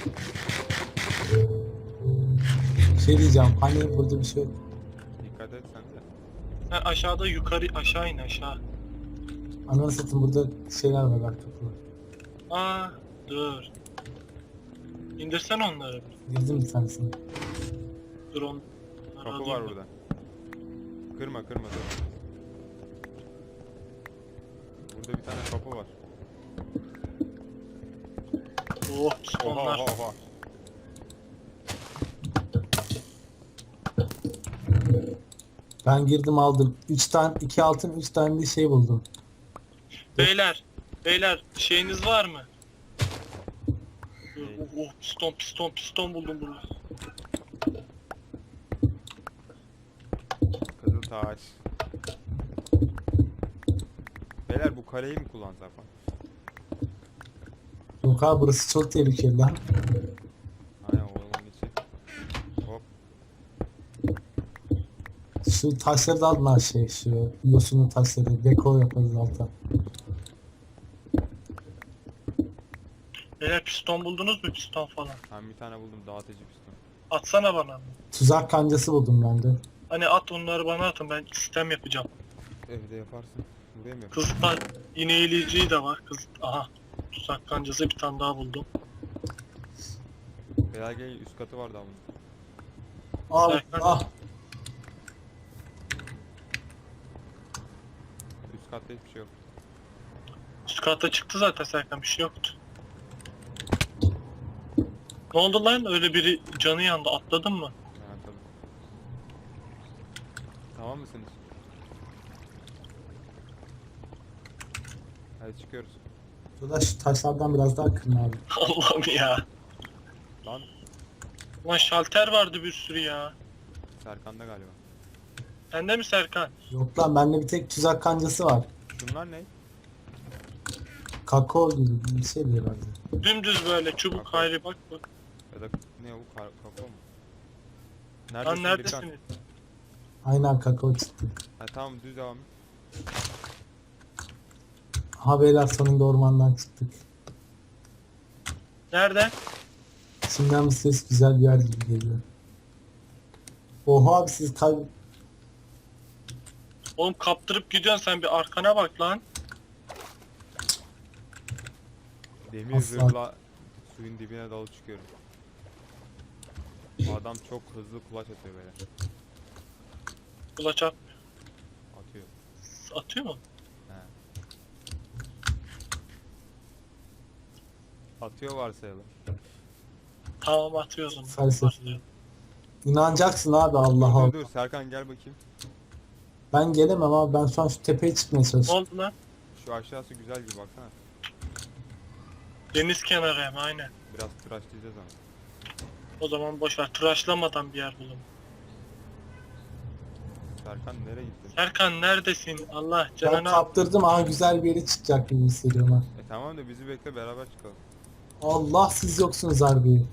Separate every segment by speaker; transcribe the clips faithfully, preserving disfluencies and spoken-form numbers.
Speaker 1: Bir şey diyeceğim. Hani burada bir şey yok.
Speaker 2: Dikkat et sen de.
Speaker 3: Ha, aşağıda yukarı aşağı in aşağı.
Speaker 1: Ananı satayım, burada şeyler var bak, kapılar.
Speaker 3: Aa dur. İndirsen onları.
Speaker 1: Girdim bir tanesine.
Speaker 3: Dur on.
Speaker 2: Kapı var burada. Kırma kırma dur. Burada bir tane kapı var.
Speaker 3: Oh
Speaker 2: Oha
Speaker 3: onlar.
Speaker 2: oha oha.
Speaker 1: Ben girdim aldım. üç tane, iki altın, üç tane de şey buldum.
Speaker 3: Beyler. Beyler şeyiniz var mı? Dur,
Speaker 2: Ne?
Speaker 3: oh, oh piston piston piston buldum burada.
Speaker 2: Kızıl taş. Beyler bu kaleyi mi kullansak lan?
Speaker 1: Yok abi, burası çok tehlikeli lan.
Speaker 2: Aynen oğlum içi. Hop.
Speaker 1: Şu taşları da alın her şey. Şu yosunlu taşları. Dekor yaparız alta.
Speaker 3: Beyler piston buldunuz mu piston falan?
Speaker 2: Ben bir tane buldum dağıtıcı piston.
Speaker 3: Atsana bana.
Speaker 1: Tuzak kancası buldum ben de.
Speaker 3: Hani at onları bana atın ben sistem yapacağım.
Speaker 2: Evde yaparsın. Buraya mı yaparsın?
Speaker 3: Kızılta iğneleyiciyi de var. Kız aha. Tuzak kancası bir tane daha buldum.
Speaker 2: Beyler gel üst katı var daha bunun.
Speaker 1: Al, ah.
Speaker 2: Üst katta hiçbir şey yok.
Speaker 3: Üst katta çıktı zaten Serkan bir şey yoktu. Ne oldu lan? Öyle biri canı yandı. Atladın mı?
Speaker 2: Ha tabii. Tamam mısınız? Hadi çıkıyoruz.
Speaker 1: Şurada şu taşlardan biraz daha kırın abi.
Speaker 3: Allah'ım ya.
Speaker 2: Lan
Speaker 3: Lan şalter vardı bir sürü ya.
Speaker 2: Serkan'da galiba.
Speaker 3: Sende mi Serkan?
Speaker 1: Yok lan, bende bir tek tuzak kancası var.
Speaker 2: Şunlar ne?
Speaker 1: Kakao gibi bir şey diyor herhalde.
Speaker 3: Dümdüz böyle çubuk
Speaker 2: Kakao.
Speaker 3: hayri bak bak.
Speaker 2: Ya da ne bu kar kakao mu?
Speaker 3: Lan
Speaker 2: Neredesin
Speaker 3: neredesiniz?
Speaker 2: Birkan?
Speaker 1: Aynen, kakao çıktı.
Speaker 2: Ha tamam düz devam et.
Speaker 1: Ha beyler, sonunda ormandan çıktık.
Speaker 3: Nerede?
Speaker 1: Şimdiden bir ses güzel bir yer gibi geliyor. Oha abi, siz kay...
Speaker 3: Oğlum kaptırıp gidiyorsun sen bir arkana bak lan.
Speaker 2: Demir
Speaker 1: Aslan.
Speaker 2: zırhla suyun dibine dalıp çıkıyorum. Bu adam çok hızlı kulaç atıyor böyle.
Speaker 3: Kulaç at.
Speaker 2: Atıyor.
Speaker 3: Atıyor mu?
Speaker 2: He. Atıyor varsayalım.
Speaker 3: Tamam atıyorsun.
Speaker 1: Felsefe. İnanacaksın abi, Allah
Speaker 2: Dur
Speaker 1: Allah.
Speaker 2: dur dur Serkan gel bakayım.
Speaker 1: Ben gelemem abi, ben şu an şu tepeye çıkmaya
Speaker 3: Ne
Speaker 1: çalışıyorum.
Speaker 3: oldu lan?
Speaker 2: Şu aşağısı güzel bir baksana.
Speaker 3: Deniz kenarı hem aynen.
Speaker 2: Biraz tıraşlayacağız ama.
Speaker 3: O zaman boşver tıraşlamadan bir yer bulun.
Speaker 2: Serkan nereye gittin?
Speaker 3: Serkan neredesin? Allah
Speaker 1: Ben
Speaker 3: canına.
Speaker 1: kaptırdım, aha güzel bir yere çıkacak gibi hissediyorum ha.
Speaker 2: E tamam da bizi bekle beraber çıkalım.
Speaker 1: Allah, siz yoksunuz harbi.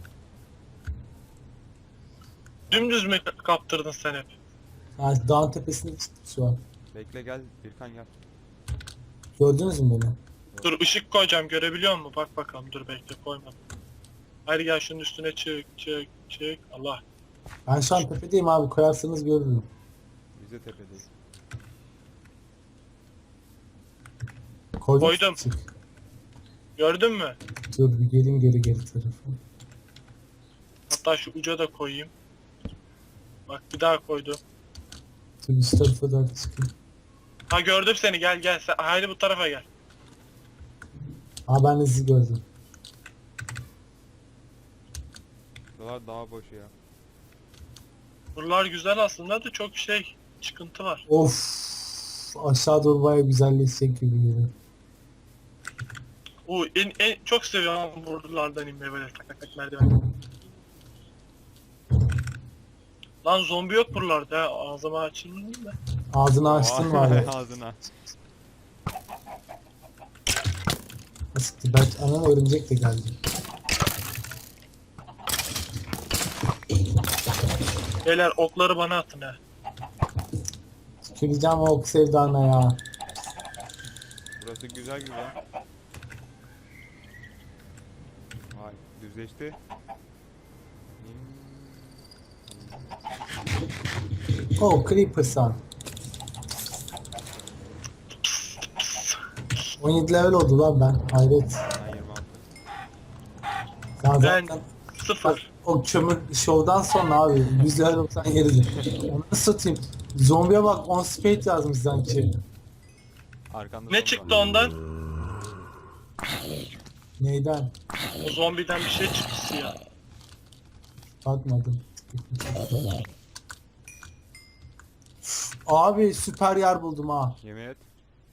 Speaker 3: Dümdüz mü kaptırdın sen hep?
Speaker 1: Yani dağın tepesine çıktık şu an.
Speaker 2: Bekle gel Birkan gel.
Speaker 1: Gördünüz mü beni?
Speaker 3: Dur ışık koyacağım görebiliyor musun? Bak bakalım dur bekle koymadım. Haydi gel şunun üstüne çık çık çık. Allah.
Speaker 1: Ben şu an tepedeyim abi, koyarsanız görürüm.
Speaker 2: Biz de tepedeyiz.
Speaker 1: Koydum.
Speaker 3: Koydum.
Speaker 1: Çık.
Speaker 3: Gördün mü?
Speaker 1: Dur bir gelin geri geri tarafı.
Speaker 3: Hatta şu uca da koyayım. Bak bir daha koydum.
Speaker 1: Dur üst tarafa doğru çıkayım.
Speaker 3: Ha gördüm seni gel gel. Sen, haydi bu tarafa gel.
Speaker 1: Aa, ben de sizi gördüm.
Speaker 2: Buralar daha boş ya.
Speaker 3: Buralar güzel aslında da çok şey çıkıntı var.
Speaker 1: Of, aşağı doğru baya güzelleşecek gibi geliyor.
Speaker 3: Oo en, en çok seviyorum buralardan inmeyi böyle tak tak tak merdiven. Lan zombi yok buralarda ha. Ağzıma açayım da.
Speaker 1: Ağzını açtın var ya.
Speaker 2: Ağzına.
Speaker 1: Nasıl ki, belki anan örümcek de geldi.
Speaker 3: Beyler okları bana atın ha.
Speaker 1: Tüküreceğim o ok sevdana ya.
Speaker 2: Burası güzel güzel. Ay düzleşti.
Speaker 1: Oh Creeper san. on yedi level oldu lan ben. Hayret.
Speaker 2: Ben yirmi altı.
Speaker 1: Sen
Speaker 3: Ben
Speaker 1: zaten
Speaker 3: sıfır.
Speaker 1: o kömür şovdan sonra abi yüz level olsan yeridir. Onu satayım. Zombiye bak on speed yazmış sanki.
Speaker 2: Arkanda
Speaker 3: Ne
Speaker 2: zombi
Speaker 3: çıktı
Speaker 2: var.
Speaker 3: ondan?
Speaker 1: Neyden?
Speaker 3: O zombiden bir şey çıktı siyah.
Speaker 1: Bakmadım. Abi süper yer buldum ha.
Speaker 2: Yemin et.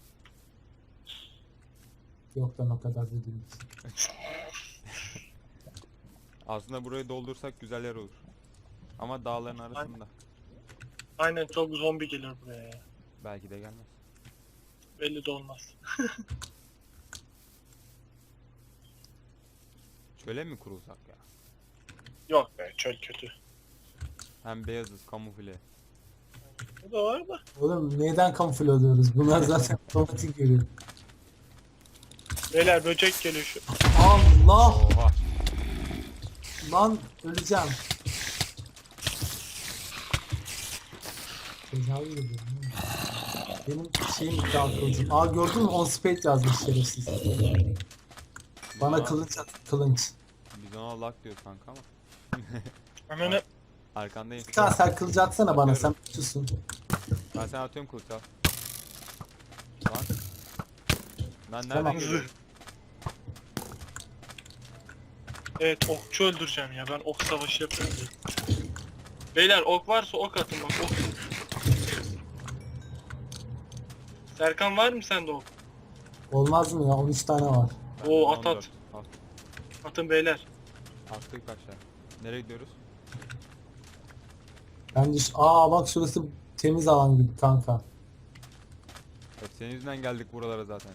Speaker 1: Yok lan o kadar da değil.
Speaker 2: Aslında burayı doldursak güzel yer olur. Ama dağların arasında.
Speaker 3: Aynen çok zombi gelir buraya ya.
Speaker 2: Belki de gelmez.
Speaker 3: Belli de olmaz.
Speaker 2: Çöle mi kurulsak ya?
Speaker 3: Yok be çöl kötü.
Speaker 2: Hem beyazız, kamufle.
Speaker 3: Bu da var da.
Speaker 1: Oğlum neyden kamufle oluyoruz? Bunlar zaten otomatik görüyor.
Speaker 3: Beyler böcek geliyor şu.
Speaker 1: Allah!
Speaker 2: Oha.
Speaker 1: Lan öleceğim. Tecavüz ediyorum. Benim şeyim dağıtılacak. Aa gördün mü? On speed yazmış şerefsiz. Bana
Speaker 2: Biz ona-
Speaker 1: kılıç at, kılıç.
Speaker 2: Biz ona lak diyoruz kanka ama.
Speaker 3: Hemen
Speaker 2: Arkandayım.
Speaker 1: Bir tane sen kılıç atsana bana, sen
Speaker 2: Atıyorum.
Speaker 1: tutusun.
Speaker 2: Ben sana atıyorum kılıç al. Lan. Ben nereden
Speaker 1: Tamam.
Speaker 2: geliyorum?
Speaker 3: evet okçu öldüreceğim ya. Ben ok savaşı yapıyorum. Beyler ok varsa ok atın bak ok. Serkan var mı sende ok?
Speaker 1: Olmaz mı ya? on üç tane var.
Speaker 2: Bende
Speaker 3: Oo, at,
Speaker 2: on dört.
Speaker 3: at.
Speaker 2: Al.
Speaker 3: Atın beyler.
Speaker 2: Attık aşağı. Nereye gidiyoruz?
Speaker 1: Bence şu... Aa bak şurası temiz alan gibi kanka.
Speaker 2: Hep senin yüzünden geldik buralara zaten.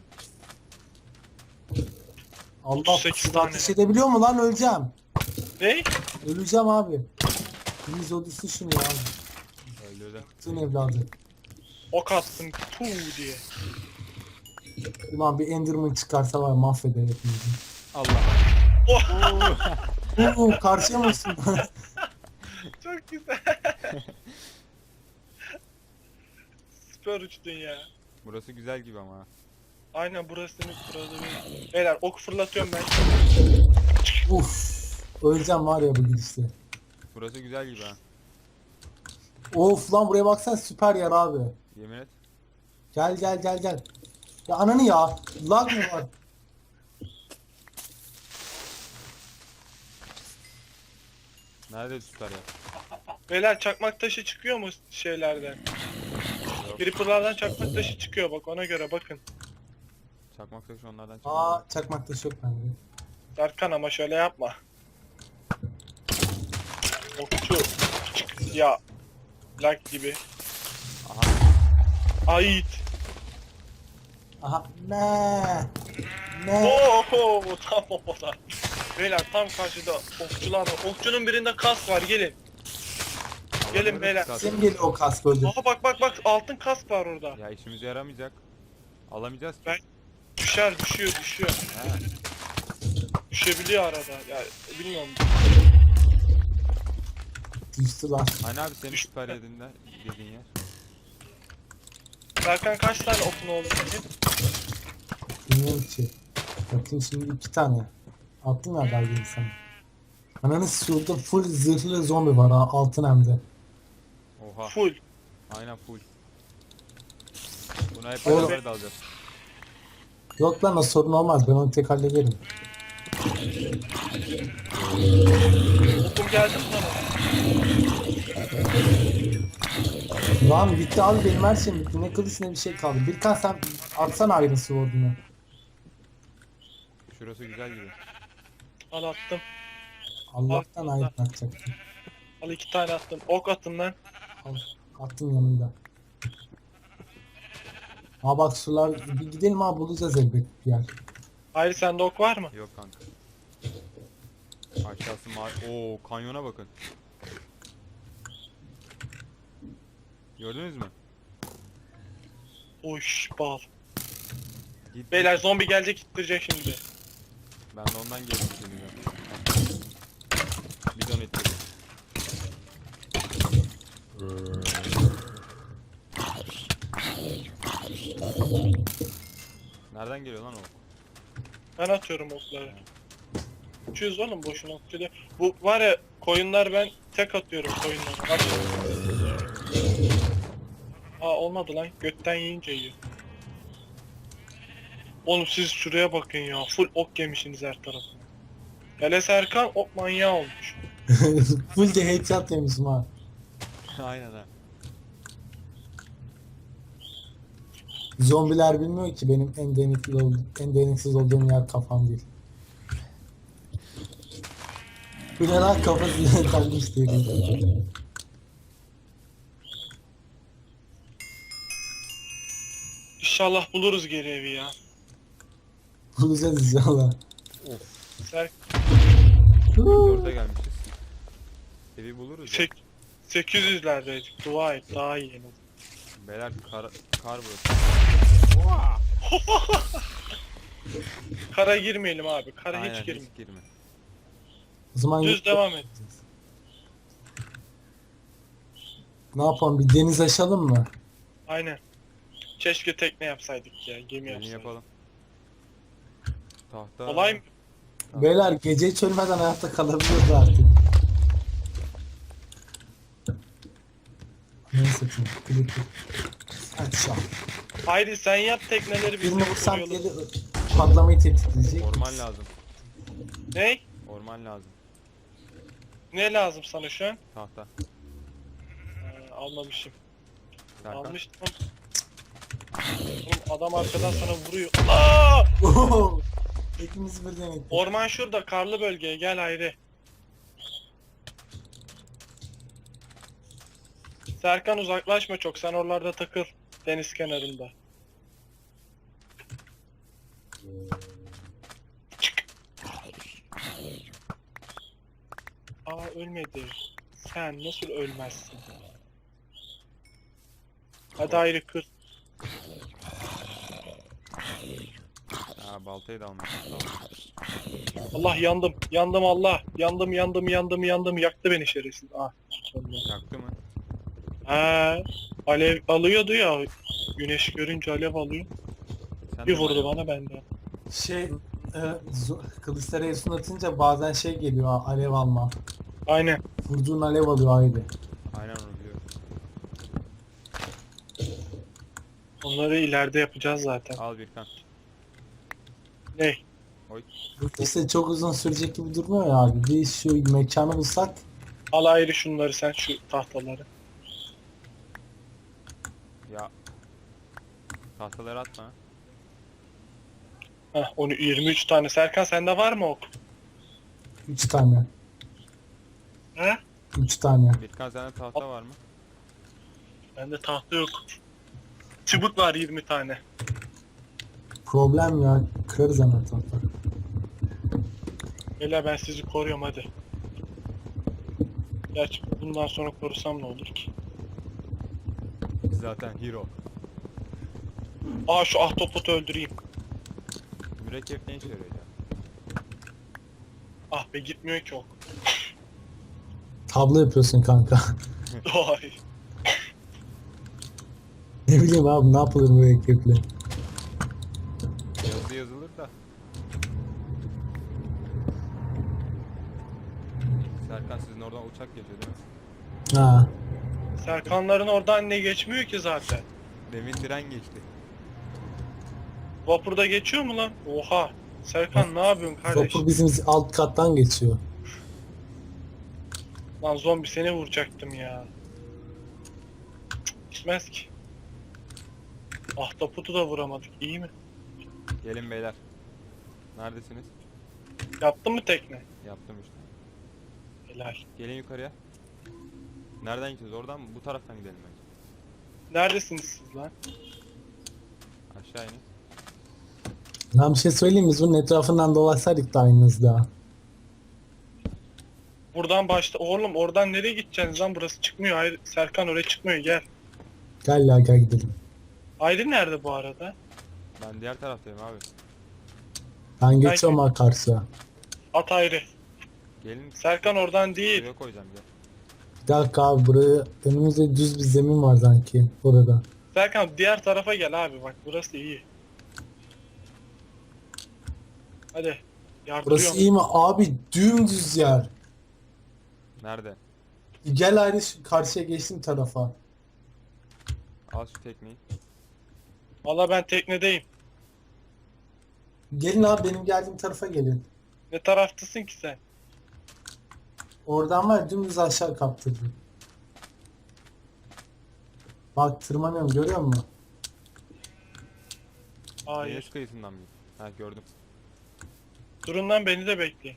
Speaker 1: Allah
Speaker 3: otuz sekiz
Speaker 1: siz
Speaker 3: tane.
Speaker 1: ateş edebiliyor mu lan? Öleceğim.
Speaker 3: Ne?
Speaker 1: Öleceğim abi. Biz odası şunu ya.
Speaker 2: Öldürdüm.
Speaker 1: Bütün evladı.
Speaker 3: Ok attım tu diye.
Speaker 1: Ulan bir Enderman çıkarsa var mahveder hepimizi.
Speaker 2: Allah.
Speaker 3: Oh!
Speaker 1: Oo karşıya mısın?
Speaker 3: Çok güzel. Süper uçtun ya.
Speaker 2: Burası güzel gibi ama. ha.
Speaker 3: Aynen burası demek burada bir... Beyler ok fırlatıyorum ben.
Speaker 1: Uf. Öleceğim var ya bu gidişte.
Speaker 2: Burası güzel gibi ha.
Speaker 1: Of lan buraya baksan süper yer abi.
Speaker 2: Yemin et.
Speaker 1: Gel gel gel gel. Ya ananı ya. Lag mı var?
Speaker 2: Nerede süper ya?
Speaker 3: Beyler çakmak taşı çıkıyor mu şeylerden?
Speaker 2: Yok.
Speaker 3: Creeper'lardan çakmak taşı çıkıyor bak ona göre bakın.
Speaker 2: Çakmak taşı onlardan çıkıyor.
Speaker 1: Aa çakmak taşı yok bende.
Speaker 3: Serkan ama şöyle yapma. Okçu. Çık ya. Lag gibi.
Speaker 2: Aha.
Speaker 3: Ait.
Speaker 1: Aha ne? Ne?
Speaker 3: Oho tam orada. Beyler tam karşıda okçular var. Okçunun birinde kask var gelin. Gelin
Speaker 2: Alamıyoruz
Speaker 3: beyler.
Speaker 2: zaten.
Speaker 1: Kim geliyor o kask öldü?
Speaker 3: Aha bak bak bak altın kask var orada.
Speaker 2: Ya işimize yaramayacak. Alamayacağız ki.
Speaker 3: Ben- Düşer düşüyor düşüyor.
Speaker 2: Ha.
Speaker 3: Düşebiliyor arada. Ya bilmiyorum.
Speaker 1: Düştü lan.
Speaker 2: Hani abi senin
Speaker 3: Düştü.
Speaker 2: süper yediğinde dediğin yer.
Speaker 3: Serkan kaç tane okun oldu senin?
Speaker 1: Bilmiyorum ki. Bakayım şimdi iki tane. Attım ya galiba sana. Ananı şurada full zırhlı zombi var ha, altın hem de.
Speaker 2: Oha.
Speaker 3: Full.
Speaker 2: Aynen full. Buna hep
Speaker 1: Oğlum.
Speaker 2: beraber dalacağız.
Speaker 1: Yok lan o sorun olmaz, ben onu tek hallederim.
Speaker 3: Okum geldi mi sana?
Speaker 1: Lan bitti abi, benim her şeyim bitti. Ne kılıç ne bir şey kaldı. Birkan sen atsana Iron Sword'unu.
Speaker 2: Şurası güzel gibi.
Speaker 3: Al attım.
Speaker 1: Allah'tan
Speaker 3: Al.
Speaker 1: Iron atacaktım.
Speaker 3: Al iki tane attım. Ok atın lan.
Speaker 1: Al, attım yanında. Ha bak sular, bir gidelim abi, bulacağız elbet bir yer.
Speaker 3: Hayır sende ok var mı?
Speaker 2: Yok kanka. Aşağısı mavi. Oo kanyona bakın. Gördünüz mü?
Speaker 3: Oş bal.
Speaker 2: Git.
Speaker 3: Beyler zombi gelecek ittirecek şimdi.
Speaker 2: Ben de ondan geldim. Nereden geliyor lan o?
Speaker 3: Ben atıyorum okları. Uçuyoruz oğlum boşuna okçu değil. Bu var ya koyunlar ben tek atıyorum koyunlara. Bak. Aa olmadı lan. Götten yiyince yiyor. Oğlum siz şuraya bakın ya. Full ok yemişsiniz her tarafına. Hele Serkan ok manyağı olmuş.
Speaker 1: Full de headshot yemişim ha.
Speaker 2: Aynen ha.
Speaker 1: Zombiler bilmiyor ki benim en deniksiz, ol- en deniksiz olduğum yer kafam değil. Bir de lan kafası kalmış değil.
Speaker 3: İnşallah buluruz geri evi ya.
Speaker 1: Bulacağız inşallah.
Speaker 3: Ser
Speaker 2: Dörde gelmişiz. Evi buluruz ya.
Speaker 3: sek sekiz yüzlerdeydik. Dua et daha iyi en azından.
Speaker 2: Beyler kar, kar burası.
Speaker 3: Kara girmeyelim abi. Kara
Speaker 2: Aynen
Speaker 3: hiç girme.
Speaker 2: hiç girme.
Speaker 1: O zaman
Speaker 3: Düz devam et.
Speaker 1: ne yapalım, bir deniz aşalım mı?
Speaker 3: Aynen. Keşke tekne yapsaydık ya. Gemi
Speaker 2: Yeni
Speaker 3: yapsaydık.
Speaker 2: yapalım. Tahta.
Speaker 3: Olay mı?
Speaker 1: Beyler gece hiç ölmeden hayatta kalabiliyoruz artık. Ne satayım? Klik klik. Hadi şu an.
Speaker 3: Haydi sen yap tekneleri biz
Speaker 1: Birini
Speaker 3: de
Speaker 1: vursam
Speaker 3: koruyalım.
Speaker 1: diye patlamayı tetikleyecek.
Speaker 2: Orman lazım.
Speaker 3: Ne?
Speaker 2: Orman lazım.
Speaker 3: Ne lazım sana şu an?
Speaker 2: Tahta.
Speaker 3: Ee, almamışım.
Speaker 2: Serkan.
Speaker 3: Almıştım. Oğlum adam arkadan sana vuruyor. Aa!
Speaker 1: Oho! Hepimiz birden ettik.
Speaker 3: Orman şurada karlı bölgeye gel Hayri. Serkan uzaklaşma çok sen oralarda takıl. Deniz kenarında. Çık. Aa ölmedi. Sen nasıl ölmezsin? Hadi Hayri kır.
Speaker 2: Aa baltayı da almışım.
Speaker 3: Allah yandım. Yandım Allah. Yandım yandım yandım yandım. Yaktı beni şerefsiz. Ah. sonunda.
Speaker 2: Yaktı mı?
Speaker 3: Ha, alev alıyordu ya. Güneş görünce alev alıyor.
Speaker 2: Sen
Speaker 3: Bir
Speaker 2: de
Speaker 3: vurdu
Speaker 2: bayağı-
Speaker 3: bana ben de.
Speaker 1: Şey, e, zo- kılıçlara efsun atınca bazen şey geliyor ha, alev alma.
Speaker 3: Aynen.
Speaker 1: Vurduğun alev alıyor ayrı.
Speaker 2: Aynen onu biliyorum.
Speaker 3: Onları ileride yapacağız zaten.
Speaker 2: Al Birkan.
Speaker 3: Ne?
Speaker 2: Oy.
Speaker 1: Bu işte çok uzun sürecek gibi durmuyor ya abi. Bir şu mekanı bulsak.
Speaker 3: Al ayrı şunları sen şu tahtaları.
Speaker 2: Ya. Tahtaları atma.
Speaker 3: Heh onu yirmi üç tane. Serkan sende var mı ok?
Speaker 1: Üç tane.
Speaker 3: He?
Speaker 1: Üç tane.
Speaker 2: Birkan sende tahta var mı?
Speaker 3: Bende tahta yok. Çubuk var yirmi tane.
Speaker 1: Problem ya. Kırarız hemen tahta.
Speaker 3: Beyler ben sizi koruyorum hadi. Gerçi bundan sonra korusam ne olur ki?
Speaker 2: Zaten hero.
Speaker 3: Aa şu ahtapotu öldüreyim.
Speaker 2: Mürekkep ne işe yarıyor ya?
Speaker 3: Ah be gitmiyor ki ok.
Speaker 1: Tablo yapıyorsun kanka.
Speaker 3: Ay.
Speaker 1: Ne bileyim abi, ne yapılır bu ekiple.
Speaker 2: Yazı yazılır da. Serkan sizin oradan uçak geçiyor değil mi?
Speaker 1: Ha.
Speaker 3: Serkanların oradan ne geçmiyor ki zaten.
Speaker 2: Demin tren geçti.
Speaker 3: Vapurda geçiyor mu lan? Oha. Serkan ne yapıyorsun kardeş?
Speaker 1: Vapur bizim alt kattan geçiyor.
Speaker 3: Lan zombi seni vuracaktım ya. Cık, Gitmez ki. Ahtapotu da vuramadık. İyi mi?
Speaker 2: Gelin beyler. Neredesiniz?
Speaker 3: Yaptın mı tekne?
Speaker 2: Yaptım işte.
Speaker 3: Helal.
Speaker 2: Gelin yukarıya. Nereden gideceğiz? Oradan mı? Bu taraftan gidelim bence.
Speaker 3: Neredesiniz siz lan?
Speaker 2: Aşağı inin.
Speaker 1: Ben bir şey söyleyeyim mi? Biz bunun etrafından dolaşsaydık da aynı hızda.
Speaker 3: Buradan başta. Oğlum oradan nereye gideceksiniz lan? Burası çıkmıyor. Hayır Serkan oraya çıkmıyor. Gel.
Speaker 1: Gel ya, gel gidelim.
Speaker 3: Aydın nerede bu arada?
Speaker 2: Ben diğer taraftayım abi.
Speaker 1: Ben geçiyorum ha karşıya.
Speaker 3: At ayrı.
Speaker 2: Gelin.
Speaker 3: Serkan oradan değil.
Speaker 2: Buraya koyacağım gel.
Speaker 1: Bir dakika abi, buraya önümüzde düz bir zemin var sanki burada.
Speaker 3: Serkan diğer tarafa gel abi, bak burası iyi. Hadi. Yardırıyorum.
Speaker 1: Burası iyi mi? Abi dümdüz yer.
Speaker 2: Nerede?
Speaker 1: Gel ayrı şu karşıya geçtim tarafa.
Speaker 2: Al şu tekneyi.
Speaker 3: Valla ben teknedeyim.
Speaker 1: Gelin abi, benim geldiğim tarafa gelin.
Speaker 3: Ne taraftasın ki sen?
Speaker 1: Oradan var ya, dümdüz aşağı kaptırdım. Bak tırmanıyorum, görüyor musun?
Speaker 3: Hayır.
Speaker 2: Deniz kıyısından mı? Ha gördüm.
Speaker 3: Durun lan, beni de bekleyin.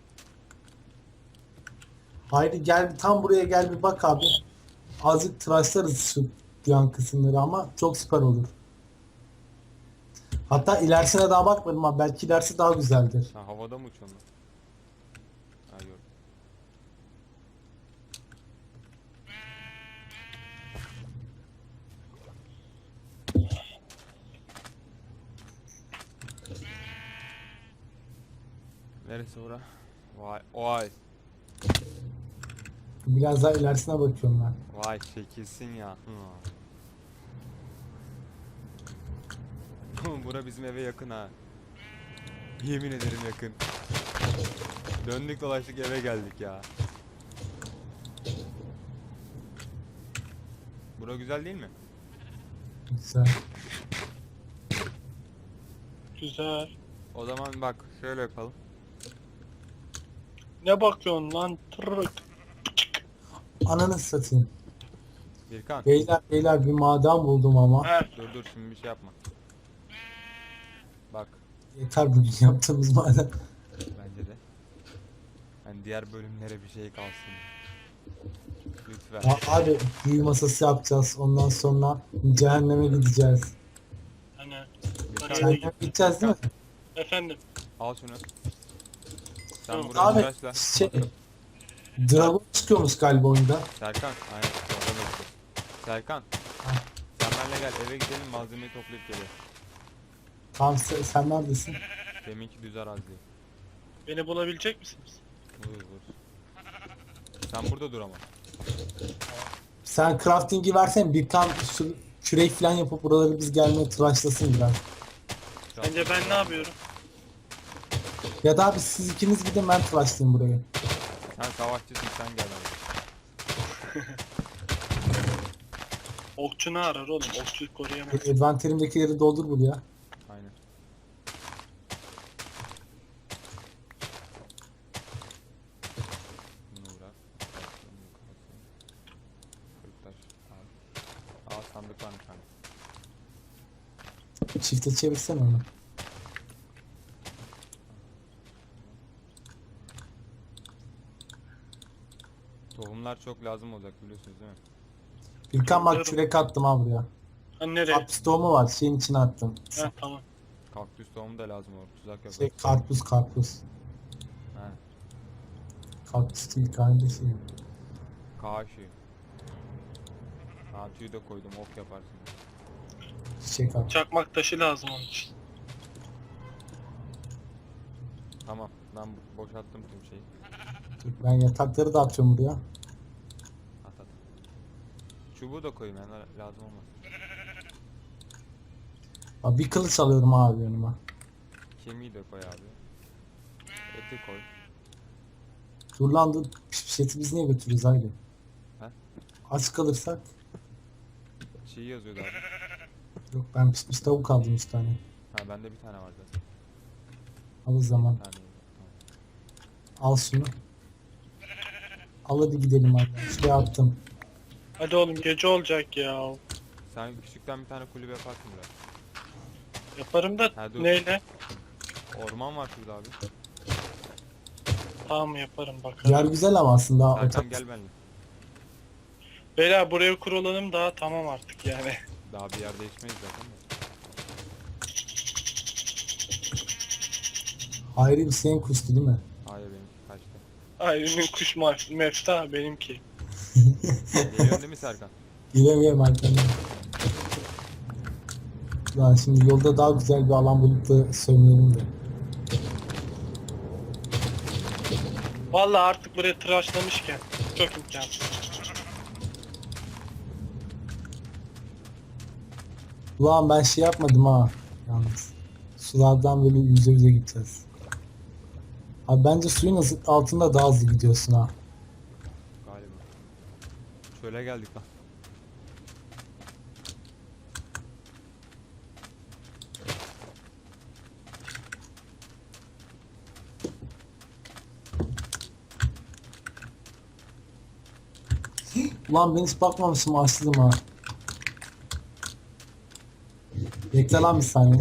Speaker 1: Haydi gel, tam buraya gel bir bak abi. Azıcık tıraşlarız şu yan kısımları ama çok süper olur. Hatta ilerisine daha bakmadım ama belki ilerisi daha güzeldir.
Speaker 2: Ha havada mı uçuyorsun lan? Ha gördüm. Neresi bura? Vay vay
Speaker 1: Biraz daha ilerisine bakıyorum ben.
Speaker 2: vay çekilsin ya. Hı. Bura bizim eve yakın ha. Yemin ederim yakın. Döndük dolaştık eve geldik ya. Bura güzel değil mi?
Speaker 1: Güzel.
Speaker 3: Güzel.
Speaker 2: O zaman bak şöyle yapalım.
Speaker 3: Ne bakıyorsun lan? Tırrık.
Speaker 1: Ananı satayım.
Speaker 2: Birkan
Speaker 1: Beyler beyler bir maden buldum ama.
Speaker 3: He.
Speaker 2: dur dur şimdi bir şey yapma. Bak
Speaker 1: Yeter bugün yaptığımız maden.
Speaker 2: bence de. Hani diğer bölümlere bir şey kalsın. Lütfen.
Speaker 1: Ya abi büyü masası yapacağız. Ondan sonra cehenneme gideceğiz.
Speaker 3: Hani.
Speaker 2: Birkan,
Speaker 3: Hadi.
Speaker 1: Cehenneme gideceğiz değil mi?
Speaker 3: Efendim.
Speaker 2: al şunu. Sen
Speaker 3: Tamam.
Speaker 2: burayı
Speaker 1: Abi
Speaker 2: tıraşla.
Speaker 1: şey, Dragon çıkıyormuş galiba oyunda.
Speaker 2: Serkan, aynen. Orada bekle. Serkan.
Speaker 1: Ha.
Speaker 2: Sen benimle gel eve gidelim malzemeyi toplayıp gelelim.
Speaker 1: Tamam sen, sen neredesin?
Speaker 2: Deminki düz arazi.
Speaker 3: Beni bulabilecek misiniz?
Speaker 2: Vur vur. Sen burada dur ama.
Speaker 1: Sen crafting'i versen bir kan şu kürek falan yapıp buraları biz gelmeye tıraşlasın biraz.
Speaker 3: Bence ben ne yapıyorum?
Speaker 1: Ya da abi siz ikiniz gidin, ben tıraşlayayım burayı.
Speaker 2: Sen savaşçısın sen gel abi.
Speaker 3: Okçunu arar oğlum. Okçu koruyamaz.
Speaker 1: Adventerimdekileri doldur buraya.
Speaker 2: Aynen. Bunu bırak. Kalsın, bu kalsın. Kırk taş al. Al sandık var bir tane.
Speaker 1: Çifte çevirsene onu.
Speaker 2: Tohumlar çok lazım olacak biliyorsunuz değil mi?
Speaker 1: İlkan bak kürek attım abi buraya.
Speaker 3: Ha nereye?
Speaker 1: Karpuz tohumu var, şeyin içine attım.
Speaker 3: Ha tamam.
Speaker 2: Kaktüs tohumu da lazım olur. Tuzak yapar.
Speaker 1: Şey karpuz karpuz.
Speaker 2: He.
Speaker 1: Kaktüs değil kardeşim.
Speaker 2: Kaşı. Ha tüyü de koydum ok yaparsın.
Speaker 1: Çiçek at.
Speaker 3: Çakmak taşı lazım onun için.
Speaker 2: Tamam ben bo- boşalttım tüm şeyi.
Speaker 1: Dur, ben yatakları da atıyorum buraya.
Speaker 2: At at. Çubuğu da koyayım yani lazım olmaz.
Speaker 1: Abi bir kılıç alıyorum abi yanıma.
Speaker 2: Kemiği de koy abi. Eti koy.
Speaker 1: Dur lan dur. Piş piş eti biz niye götürürüz haydi.
Speaker 2: He?
Speaker 1: Aç kalırsak.
Speaker 2: Şey yazıyordu abi.
Speaker 1: Yok ben pişmiş tavuk aldım üç tane.
Speaker 2: Ha bende bir tane var zaten.
Speaker 1: Al o zaman.
Speaker 2: Bir tane yok.
Speaker 1: Al şunu. Al hadi gidelim abi. Şuraya attım.
Speaker 3: Hadi oğlum gece olacak ya.
Speaker 2: Tamam. Sen küçükten bir tane kulübe yaparsın biraz.
Speaker 3: Yaparım da
Speaker 2: Ha, dur.
Speaker 3: neyle?
Speaker 2: Orman var şurada abi.
Speaker 3: Tamam yaparım bakalım.
Speaker 1: Yer güzel ama aslında.
Speaker 2: Serkan
Speaker 1: Otak-
Speaker 2: gel benimle.
Speaker 3: Beyler buraya kurulalım daha tamam artık yani.
Speaker 2: Daha bir yer değişmeyiz zaten de.
Speaker 1: Hayri bir senin kuştu değil mi?
Speaker 2: Hayır benimki kaçtı.
Speaker 3: Ayrı'nın kuş maf- mefta benimki.
Speaker 2: Geliyorsun değil mi Serkan?
Speaker 1: Giremiyorum arkamda. Lan şimdi yolda daha güzel bir alan bulup da söyleyelim de.
Speaker 3: Vallahi artık buraya tıraşlamışken çok imkansız.
Speaker 1: Ulan ben şey yapmadım ha. Yalnız. Sulardan böyle yüze yüze gideceğiz. Abi bence suyun ısı- altında daha hızlı gidiyorsun ha.
Speaker 2: Galiba. Çöle geldik lan.
Speaker 1: Ulan ben hiç bakmamışım açtım ha. Bekle lan bir saniye.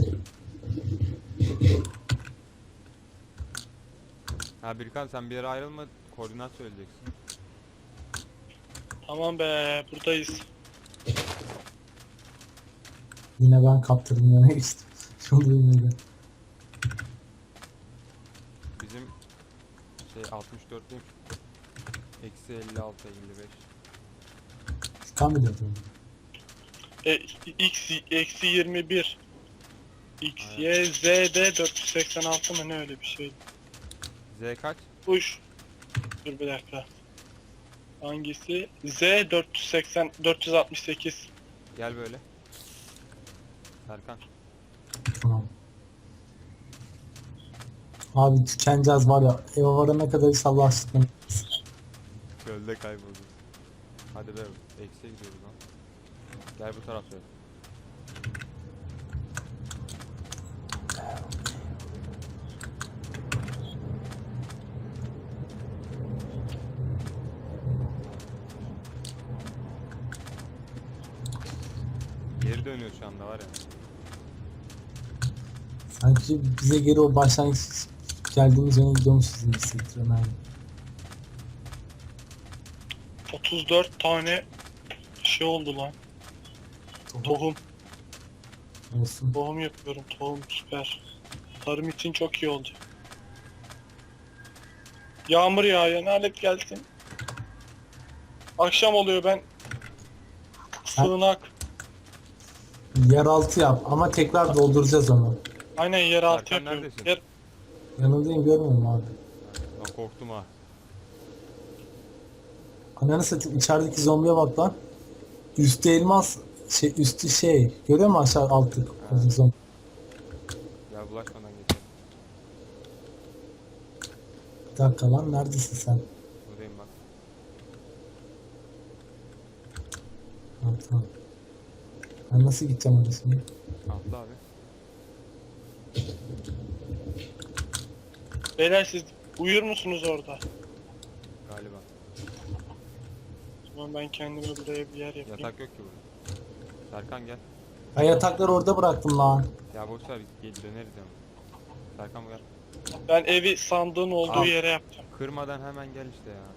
Speaker 2: Ha Birkan sen bir yere ayrılma, koordinat söyleyeceksin.
Speaker 3: Tamam be, buradayız.
Speaker 1: Yine ben kaptırdım yana geçtim. Şunu yine de.
Speaker 2: Bizim şey altmış dörtlük eksi elli altı elli beş.
Speaker 1: Kan mı diyordum?
Speaker 3: E, x eksi yirmi bir. X, Y, Z de dört yüz seksen altı mı ne öyle bir şey.
Speaker 2: Z kaç?
Speaker 3: Uş. Dur bir dakika. Hangisi? Z dört yüz seksen dört yüz altmış sekiz.
Speaker 2: Gel böyle. Serkan.
Speaker 1: Tamam. Abi tükeneceğiz var ya. Eve varana kadar inşallah aşkına.
Speaker 2: Çölde kaybolduk. Hadi be, eksiye gidiyoruz lan. Gel bu tarafta. Geri dönüyor şu anda var ya.
Speaker 1: Sanki bize geri o başlangıç geldiğimiz yöne gidiyormuşuz gibi hissettiriyorum yani.
Speaker 3: otuz dört tane şey oldu lan. Tohum.
Speaker 1: Olsun.
Speaker 3: Tohum yapıyorum. Tohum süper. Tarım için çok iyi oldu. Yağmur yağıyor. Lanet gelsin. Akşam oluyor ben. Sığınak.
Speaker 1: Yeraltı yap ama tekrar dolduracağız onu.
Speaker 3: Aynen yeraltı
Speaker 2: Serkan
Speaker 3: yapıyorum.
Speaker 2: neredesin?
Speaker 3: Yer...
Speaker 1: Yanındayım görmüyor musun abi?
Speaker 2: Lan korktum ha.
Speaker 1: Ananı satayım içerideki zombiye bak lan. Üstü elmas, şey üstü şey. Görüyor musun aşağı altı?
Speaker 2: Evet.
Speaker 1: Zombi.
Speaker 2: Ya bulaşmadan geçelim.
Speaker 1: Bir dakika lan neredesin sen?
Speaker 2: Buradayım bak.
Speaker 1: Ha, tamam. Ben nasıl gideceğim oraya şimdi?
Speaker 2: Atla abi.
Speaker 3: Beyler siz uyur musunuz orada?
Speaker 2: Galiba.
Speaker 3: O zaman ben kendime buraya bir yer yapayım.
Speaker 2: Yatak yok ki burada. Serkan gel.
Speaker 1: Ben yatakları orada bıraktım lan.
Speaker 2: Ya boş ver, gel döneriz ya. Serkan gel.
Speaker 3: Ben evi sandığın olduğu
Speaker 2: Al.
Speaker 3: yere yapacağım.
Speaker 2: Kırmadan hemen gel işte ya.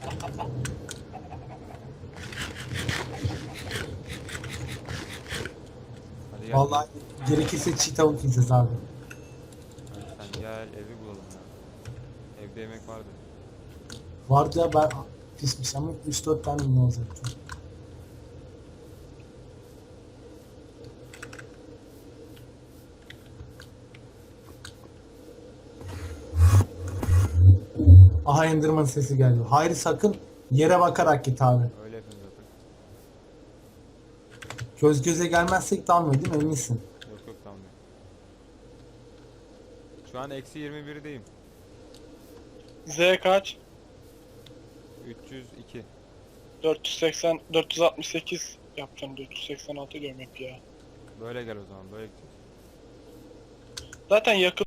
Speaker 2: Hadi gel.
Speaker 1: Vallahi gerekirse çiğ tavuk yiyeceğiz abi.
Speaker 2: Hadi sen gel, evi bulalım ya. Evde yemek vardı.
Speaker 1: Vardı ya ben pişmiş ama üç dört tane mi olacaktı? Aha Enderman sesi geliyor. Hayır sakın yere bakarak git abi.
Speaker 2: Öyle yapıyoruz zaten.
Speaker 1: Göz göze gelmezsek dalmıyor değil mi eminsin?
Speaker 2: Yok yok, tamam ya. Şu an eksi yirmi birdeyim.
Speaker 3: Z kaç?
Speaker 2: üç yüz iki.
Speaker 3: dört yüz seksen dört yüz altmış sekiz yapacağım. dört yüz seksen altı diyorum hep ya.
Speaker 2: Böyle gel o zaman, böyle gideceğiz.
Speaker 3: Zaten yakın